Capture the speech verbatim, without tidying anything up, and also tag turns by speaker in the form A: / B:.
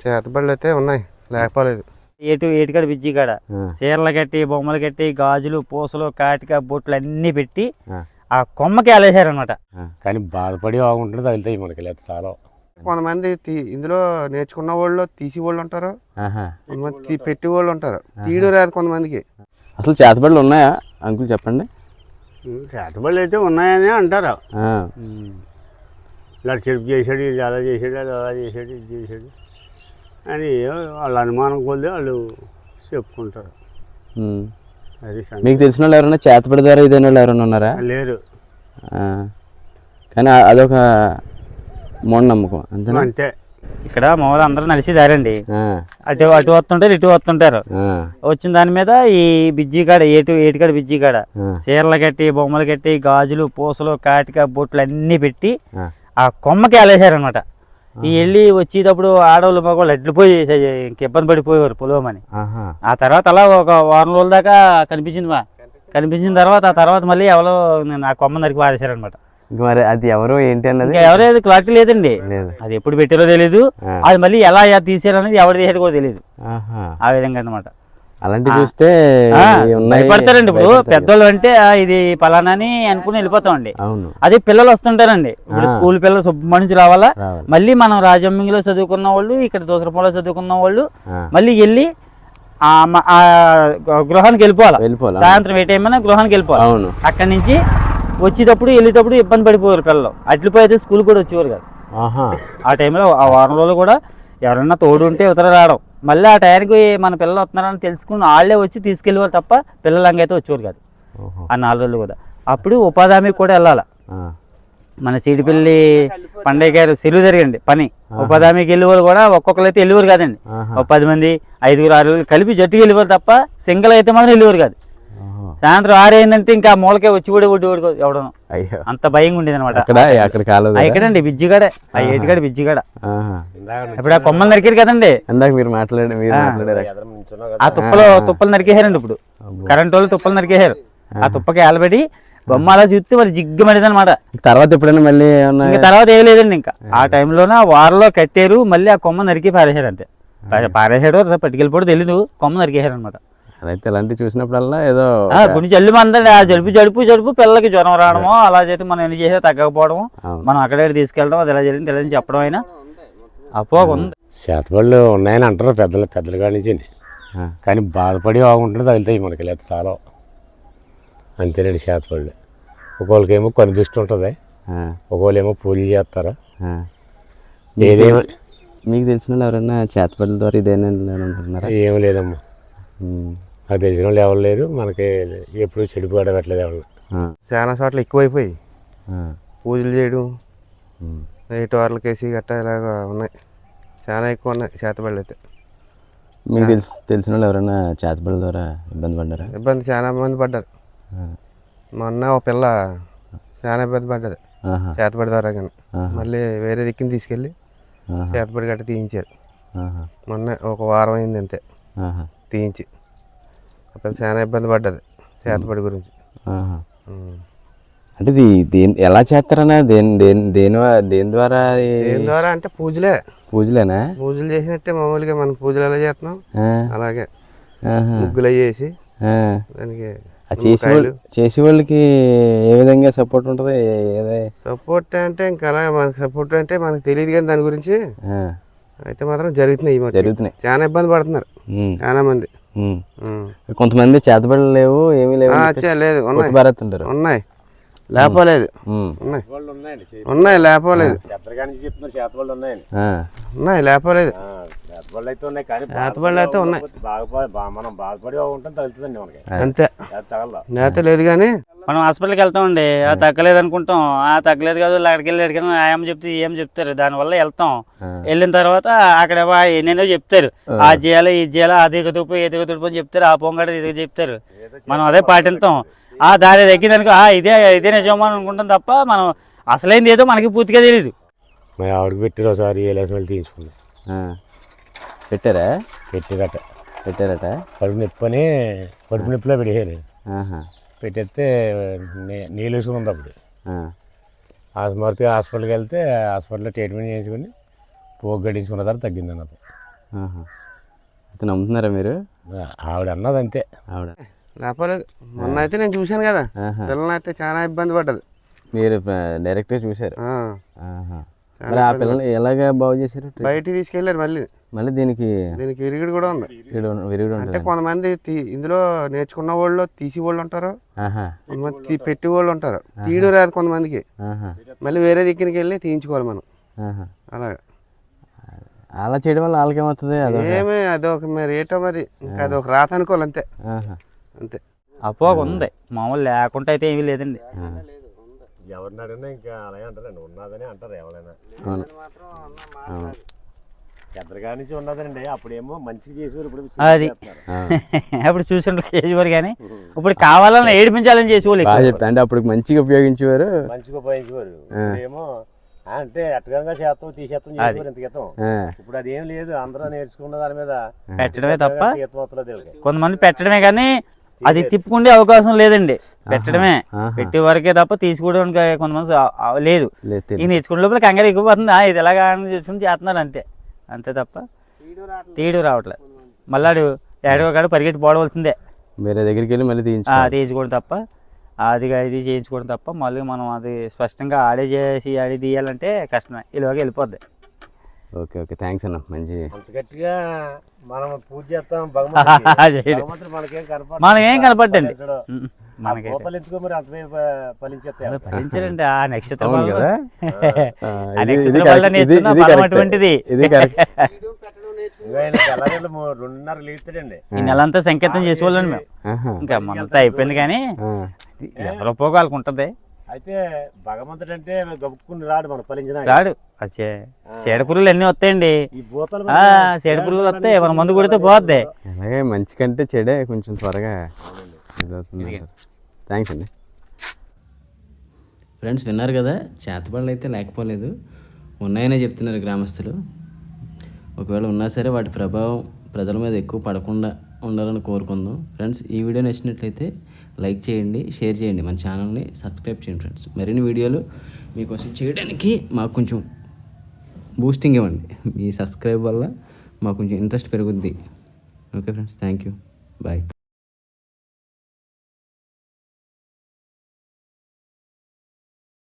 A: చేతబడులు అయితే ఉన్నాయి, లేకపోలేదు.
B: ఏటు ఏటుకాడ బిజ్జి కాడ చీరలు కట్టి బొమ్మలు కట్టి గాజులు పూసలు కాటిక బొట్లు అన్ని పెట్టి ఆ కొమ్మకి అలేసారనమాట.
C: కానీ బాధపడి బాగుంటుంది తగులుతాయి మనకి లేదు చాలా.
A: కొంతమంది ఇందులో నేర్చుకున్న వాళ్ళు తీసి వాళ్ళు ఉంటారు, కొంతమంది పెట్టి వాళ్ళు ఉంటారు, తీయడం రాదు కొంతమందికి.
D: అసలు చేతబడులు ఉన్నాయా అంకుల్ చెప్పండి?
C: చేతబడులు అయితే ఉన్నాయని అంటారు. ఇలా చెరుపు చేసాడు, ఇది అలా చేసాడు, అది అలా చేసాడు, ఇది చేసాడు అని వాళ్ళ అనుమానం కొద్ది వాళ్ళు చెప్పుకుంటారు. అది
D: మీకు తెలిసిన వాళ్ళు ఎవరైనా చేతబడి ద్వారా ఇదైన వాళ్ళు ఎవరైనా ఉన్నారా?
C: లేరు.
D: కానీ అదొక మూఢనమ్మకం అంతే
B: అంతే. ఇక్కడ మామూలు అందరూ నడిచి దారండి, అటు అటు వస్తుంటారు ఇటు వస్తుంటారు. వచ్చిన దాని మీద ఈ బిజ్జి కాడ ఏటు ఏటుకాడ బిజ్జి కాడ చీరలు కట్టి బొమ్మలు కట్టి గాజులు పూసలు కాటిక బొట్లు అన్ని పెట్టి ఆ కొమ్మకి అలేసారనమాట. ఈ వెళ్ళి వచ్చేటప్పుడు ఆడవాళ్ళు మగవాళ్ళు ఎడ్లిపోయి ఇంక ఇబ్బంది పడిపోయేవారు పొలవమని. ఆ తర్వాత అలా ఒక వారం రోజుల దాకా కనిపించింది మా కనిపించిన తర్వాత ఆ తర్వాత మళ్ళీ ఎవరో ఆ కొమ్మ నరికి పారేశారనమాట.
D: మరి అది ఎవరో ఏంటి అన్నది
B: ఎవరైతే క్లారిటీ లేదండి, అది ఎప్పుడు పెట్టారో తెలియదు, అది మళ్ళీ ఎలా తీసారు అనేది ఎవరు తీసారు కూడా తెలియదు. ఆ విధంగా అనమాట.
D: అలాంటివి చూస్తే
B: భయపడతారండి. ఇప్పుడు పెద్దోళ్ళు అంటే ఇది పలానా అని అనుకుని వెళ్ళిపోతామండి. అదే పిల్లలు వస్తుంటారండి, ఇప్పుడు స్కూల్ పిల్లలు సుబ్బ నుంచి రావాలా, మళ్ళీ మనం రాజమ్మింగిలో చదువుకున్న వాళ్ళు ఇక్కడ దోసరపల్లిలో చదువుకున్న వాళ్ళు మళ్ళీ వెళ్ళి ఆ గృహానికి వెళ్ళిపోవాలి. సాయంత్రం ఏ టైం అయినా గృహానికి వెళ్ళిపోవాలి. అక్కడి నుంచి వచ్చేటప్పుడు వెళ్ళేటప్పుడు ఇబ్బంది పడిపోయారు పిల్లలు. అట్లిపోయితే స్కూల్ కూడా వచ్చేవారు కాదు. ఆ టైంలో ఆ వారం రోజులు కూడా ఎవరైనా తోడు ఉంటే ఉత్తర రావడం, మళ్ళీ ఆ టైంకి మన పిల్లలు వస్తున్నారని తెలుసుకుని వాళ్ళే వచ్చి తీసుకెళ్ళేవారు తప్ప పిల్లలంగైతే వచ్చేవారు కాదు ఆ నాలుగు రోజులు కూడా. అప్పుడు ఉపాధి హామీకి కూడా వెళ్ళాలి. మన చీడిపల్లి పండగ గారు సెలవు జరిగండి పని, ఉపాధి హామీకి వెళ్ళేవారు కూడా ఒక్కొక్కరు అయితే వెళ్ళేవారు కాదండి. ఒక పది మంది ఐదుగురు ఆరుగురు కలిపి జట్టుకి వెళ్ళేవారు తప్ప సింగిల్ అయితే మాత్రం వెళ్ళేవారు కాదు. సాయంత్రం ఆరైందంటే ఇంకా మూలకే వచ్చి కూడా ఒడ్డు ఒడ్డు ఎవడను అంత భయంగా ఉండేది అనమాట. ఇక్కడండి బిజ్జిగాడ, ఆ ఏటికాడ బిజ్జిగాడ. ఇప్పుడు ఆ కొమ్మలు నరికారు కదండి,
D: మీరు మాట్లాడే
B: ఆ తుప్పలు తుప్పలు నరికేశారండి. ఇప్పుడు కరెంట్ వాళ్ళు తుప్పలు నరికేశారు. ఆ తుప్పకి ఏలబడి బొమ్మ అలా చూస్తే మరి జిగ్గమనేది అనమాట.
D: తర్వాత ఎప్పుడైనా మళ్ళీ
B: ఇంకా తర్వాత ఏం లేదండి. ఇంకా ఆ టైంలోనే వారలో కట్టారు, మళ్ళీ ఆ కొమ్మ నరికి పారేశాడు. అంతే, పారేశాడు పట్టుకెళ్ళిపోవడం తెలీదు, కొమ్మ నరికేశారు అనమాట.
D: అయితే ఇలాంటివి చూసినప్పుడల్లా ఏదో
B: గుండె జల్లు మందండి. ఆ జలుపు జలుపు జలుపు పిల్లలకి జ్వరం రావడము అలా చేస్తే మనం ఎన్ని చేసే తగ్గకపోవడము, మనం అక్కడే తీసుకెళ్ళడం, అది ఎలా జరిగింది తెలియని చెప్పడం అయినా అపోగ ఉంది.
C: చేతబడులు ఉన్నాయని అంటారు పెద్దలు పెద్దల కాడి నుంచి. కానీ బాధపడి బాగుంటుంది తగులుతాయి మనకి లేదు చాలా. అంతేనండి చేతబడులు. ఒకళ్ళకేమో కొన్ని దృష్టి ఉంటుంది, ఒకళ్ళు ఏమో పూజలు చేస్తారు. ఏదేమో
D: మీకు తెలిసిన ఎవరైనా చేతబడుల ద్వారా ఇదేనా అనుకుంటున్నారా?
C: ఏమి లేదమ్మా, నాకు తెలిసిన వాళ్ళు ఎవరు లేరు. మనకి ఎప్పుడు చెడిపోవడం పెట్టలేదు ఎవరు.
A: చాలా చోట్ల ఎక్కువైపోయి పూజలు చేయడం, నైట్ వార్లకి వేసి గట్టా ఇలాగ ఉన్నాయి, చాలా ఎక్కువ ఉన్నాయి చేతబడులు అయితే.
D: మీకు తెలిసి తెలిసిన వాళ్ళు ఎవరైనా చేతబడుల ద్వారా ఇబ్బంది పడ్డారా?
A: ఇబ్బంది చాలా మంది పడ్డారు. మొన్న ఒక పిల్ల చాలా ఇబ్బంది పడ్డది చేతబడి ద్వారా. కానీ మళ్ళీ వేరే దిక్కుని తీసుకెళ్ళి చేతబడి గట్ట తీయించారు. మొన్న ఒక వారం అయింది అంతే తీయించి. అప్పుడు చాలా ఇబ్బంది పడ్డది చేతబడి గురించి.
D: అంటే ఇది దేని ఎలా చేస్తారన్నా దేని దేని దేని దేని ద్వారా
A: దేని ద్వారా అంటే పూజలే.
D: పూజలేనా?
A: పూజలు చేసినట్టే మామూలుగా మనం పూజలు ఎలా చేస్తున్నాం అలాగే ముగ్గులు అయ్యేసి దానికి
D: చేసే వాళ్ళకి ఏ విధంగా సపోర్ట్ ఉంటుంది?
A: సపోర్ట్ అంటే ఇంకా అలా మనకి సపోర్ట్ అంటే మనకు తెలియదు కానీ దాని గురించి అయితే మాత్రం జరుగుతున్నాయి. జరుగుతున్నాయి చాలా ఇబ్బంది పడుతున్నారు చాలా మంది.
D: కొంతమంది చేతబడులు లేవు, ఏమీ లేవు,
A: లేదు
D: ఉన్నాయి
A: ఉన్నాయి లేకపోలేదు, ఉన్నాయి ఉన్నాయి లేకపోలేదు, ఉన్నాయి లేకపోలేదు, చేతబడులు అయితే ఉన్నాయి. అంతే నేత లేదు కానీ
B: మనం హాస్పిటల్కి వెళ్తామండి, ఆ తగ్గలేదు అనుకుంటాం, ఆ తగ్గలేదు కాదు అక్కడికి వెళ్ళి అడిగిన ఏం చెప్తే ఏం చెప్తారు, దానివల్ల వెళ్తాం. వెళ్ళిన తర్వాత అక్కడ ఎన్నెన్నో చెప్తారు, ఆ చేయాలి ఇది చేయాలి, అది ఎదుగుతుపు ఎదుగు తుడుపు అని చెప్తారు, ఆ పొంగడ ఇది చెప్తారు. మనం అదే పాటిస్తాం. ఆ దారి తగ్గిందనుకో ఇదే ఇదే నిజమో అని అనుకుంటాం తప్ప మనం అసలైంది ఏదో మనకి పూర్తిగా తెలియదు.
C: మా ఆవిడకి పెట్టారు ఒకసారి ఏలేసి తీసుకుంది.
D: పెట్టారా?
C: పెట్టారట
D: పెట్టారట
C: కడుపు నొప్పి అని కడుపు నొప్పిలో పెట్టేసాను. పెట్టేస్తే నీళ్ళు వేసుకుంది. అప్పుడు ఆస్మర్తి హాస్పిటల్కి వెళ్తే హాస్పిటల్లో ట్రీట్మెంట్ చేసుకుని పోగు గడించుకున్న తర్వాత తగ్గింది అన్నది.
D: అయితే నమ్ముతున్నారా మీరు?
C: ఆవిడ అన్నది అంతే.
D: ఆవిడ
A: లేపలేదు. మొన్న అయితే నేను చూశాను కదా, పిల్లల్ని అయితే చాలా ఇబ్బంది పడ్డది.
D: మీరు డైరెక్ట్గా చూశారు.
A: ఆ.
D: మరి ఆ పిల్లలు ఎలాగ బాగు చేశారు?
A: బయటికి తీసుకెళ్ళారు. మళ్ళీ
D: మళ్ళీ దీనికి
A: దీనికి విరిగిడి కూడా ఉంది.
D: విరుగుడు
A: అంటే కొంతమంది తీ- ఇందులో నేర్చుకున్న వాళ్ళు తీసి వాళ్ళు ఉంటారు, కొంతమంది తీ- పెట్టి వాళ్ళు ఉంటారు. తీయడం రాదు కొంతమందికి, మళ్ళీ వేరే దిక్కునికి వెళ్ళి తీయించుకోవాలి మనం. అలాగా
D: అలా చేయడం వల్ల వాళ్ళకి ఏమవుతుంది?
A: ఏమి అదొక మరి ఏటో మరి ఇంకా అదొక రాత అనుకోవాలి అంతే. అంతే
B: అపోగ ఉంది, మామూలు లేకుండా అయితే ఏమీ లేదండి.
C: ఎవరిని అడిగినా ఇంకా అలాగే అంటారండి, ఉన్నదని అంటారు ఎవరైనా. పెద్దగా నుంచి ఉన్నదండి, అప్పుడేమో మంచిగా చేసేవారు, ఇప్పుడు
B: అది అప్పుడు చూసిన చేసేవారు కానీ ఇప్పుడు కావాలని ఏడిపించాలని చేసేవాళ్ళు.
D: చెప్తా అంటే అప్పుడు మంచిగా ఉపయోగించేవారు,
C: మంచిగా ఉపయోగించేవారు. ఏమో అంటే అట్టగా చేస్తాం తీసేస్తాం చేసేవారు ఇంత క్రితం. ఇప్పుడు అది ఏం లేదు, అందరూ నేర్చుకున్న దాని మీద
B: పెట్టడమే తప్ప
C: ఈత
B: కొంతమంది పెట్టడమే కానీ అది తిప్పుకుండే అవకాశం లేదండి. పెట్టడమే పెట్టే వరకే తప్ప తీసుకోవడానికి కొంతమంది లేదు. ఈ నేర్చుకునే లోపల కంగారు ఎక్కువపోతుంది, ఇది ఎలాగా చూసుకుని చేస్తున్నారు అంతే. అంతే తప్ప తీయడం రావట్లేదు. మళ్ళాడు ఏడవ కాడు పరిగెట్టి పోవలసిందే,
D: వేరే దగ్గరికి వెళ్ళి మళ్ళీ
B: తీయించుకోవడం తప్ప, అది ఇది చేయించుకోవడం తప్ప మళ్ళీ మనం అది స్పష్టంగా ఆడే చేసి ఆడి తీయాలంటే కష్టమే, ఇలాగ వెళ్ళిపోద్ది.
D: ఓకే ఓకే థ్యాంక్స్ అన్న. మంచి
C: అంత గట్టిగా మనం పూజ చేస్తాం,
B: మనకేం కనపడ్డండి, ఫలించాలండి. ఆ నక్షత్రం వల్ల ఆ నక్షత్రం వల్ల నేర్చుకున్న బలం అటువంటిది.
C: రెండున్నర లేస్తాడండి.
B: ఈ నెలంతా సంకేతం చేసేవాళ్ళండి మేము. ఇంకా మనంతా అయిపోయింది కానీ ఎవరో పోగాలకు ఉంటుంది.
C: అయితే భగవంతుడు అంటే గబుక్కుని రాడు, మనం ఫలించిన
B: రాడు. వచ్చే చీడ పురుగులు అన్నీ వస్తాయండి, చీడ పురుగులు వస్తాయి, మన మందు కొడితే పోద్ది.
D: అలాగే మంచి కంటే చెడే కొంచెం త్వరగా ఇదవుతుంది. థ్యాంక్స్ అండి. ఫ్రెండ్స్ విన్నారు కదా, చేతబడులు అయితే లేకపోలేదు, ఉన్నాయనే చెప్తున్నారు గ్రామస్తులు. ఒకవేళ ఉన్నా సరే వాటి ప్రభావం ప్రజల మీద ఎక్కువ పడకుండా ఉండాలని కోరుకుందాం. ఫ్రెండ్స్ ఈ వీడియో నచ్చినట్లయితే లైక్ చేయండి, షేర్ చేయండి, మన ఛానల్ని సబ్స్క్రైబ్ చేయండి. ఫ్రెండ్స్ మరిన్ని వీడియోలు మీకోసం చేయడానికి మాకు కొంచెం బూస్టింగ్ ఇవ్వండి. మీ సబ్స్క్రైబ్ వల్ల మాకు కొంచెం ఇంట్రెస్ట్ పెరుగుద్ది. Okay friends, thank you, bye.